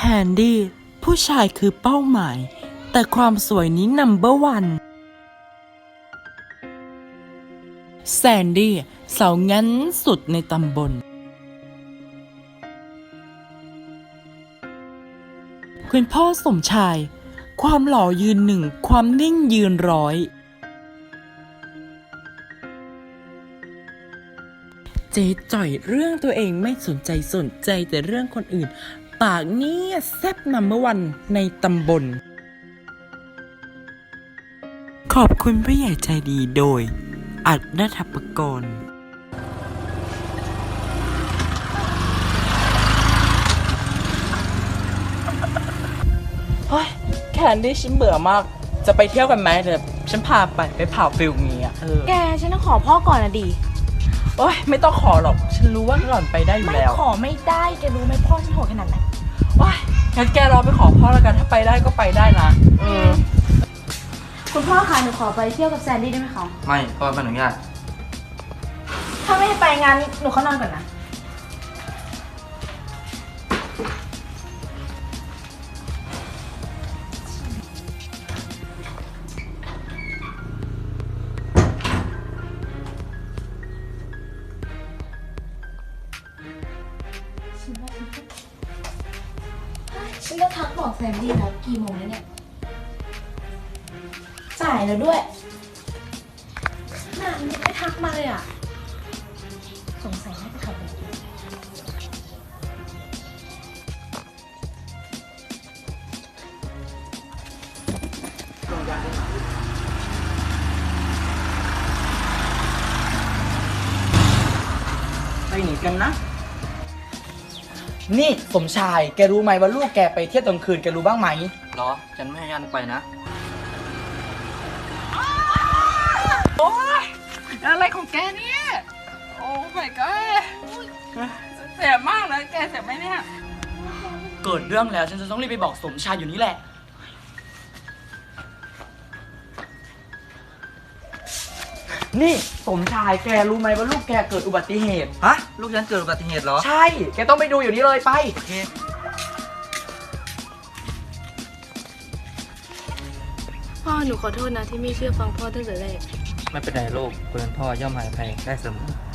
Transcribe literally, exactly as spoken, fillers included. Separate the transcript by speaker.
Speaker 1: นดี้ผู้ชายคือเป้าหมายแต่ความสวยนี้นัมเบอร์วันแซนดี้สาวงั้นสุดในตำบลคุณพ่อสมชายความหล่อยืนหนึ่งความนิ่งยืนร้อยเจ๊จ่อยเรื่องตัวเองไม่สนใจสนใจแต่เรื่องคนอื่นปากเนี่ยแซ่บนัมเบอร์วันในตำบลขอบคุณผู้ใหญ่ใจดีโดยอัดณัฐปกรณ์เฮ้ยแคนดี้ฉันเบื่อมากจะไปเที่ยวกันไหมเดี๋ยวฉันพาไปไปเผาฟิลงี้อ่ะเออ
Speaker 2: แกฉันต้องขอพ่อก่อนนะดิ
Speaker 1: โอ้ยไม่ต้องขอหรอกฉันรู้ว่าหล่อนไปได้อยู่
Speaker 2: ไม่
Speaker 1: แล้ว
Speaker 2: ขอไม่ได้แกรู้ไหมพ่อฉันโหดขนาดไหน
Speaker 1: โอ้ยงั้นแกรอไปขอพ่อแล้วกันถ้าไปได้ก็ไปได้นะเออ
Speaker 2: คุณพ่อคะหนูขอไปเที่ยวกับแซนดี้ได้ไหมคะ
Speaker 3: ไม่พ่อไม่อนุญาต
Speaker 2: ถ้าไม่ให้ไปงานหนูเข้านอนก่อนนะฉันก็ทักบอกแซนดี้แล้วกี่โมงแล้วเนี่ยสายแล้วด้วยนานยังไม่ทักมาเลยอ่ะสงสัยน่าจะขับรถ
Speaker 3: ไปหนีกันนะนี่สมชายแกรู้ไหมว่าลูกแกไปเที่ยวตอนคืนแกรู้บ้างไหมหรอฉันไม่ให้ยันไปนะ
Speaker 1: โอ๊ยอะไรของแกเนี่ยโอ้ my god เสียมากเลยแกเสียไหมเนี่ย
Speaker 3: เกิดเรื่องแล้วฉันจะต้องรีบไปบอกสมชายอยู่นี่แหละนี่สมชายแกรู้ไหมว่าลูกแกเกิดอุบัติเหตุฮะลูกฉันเกิดอุบัติเหตุเหรอใช่แกต้องไปดูอยู่นี่เลยไปโอเค
Speaker 2: พ่อหนูขอโทษนะที่ไม่เชื่อฟังพ่อตั้งแต่แรก
Speaker 3: ไม่เป็นไรลูกคนเป็นพ่อย่อมให้อภัยได้เสมอ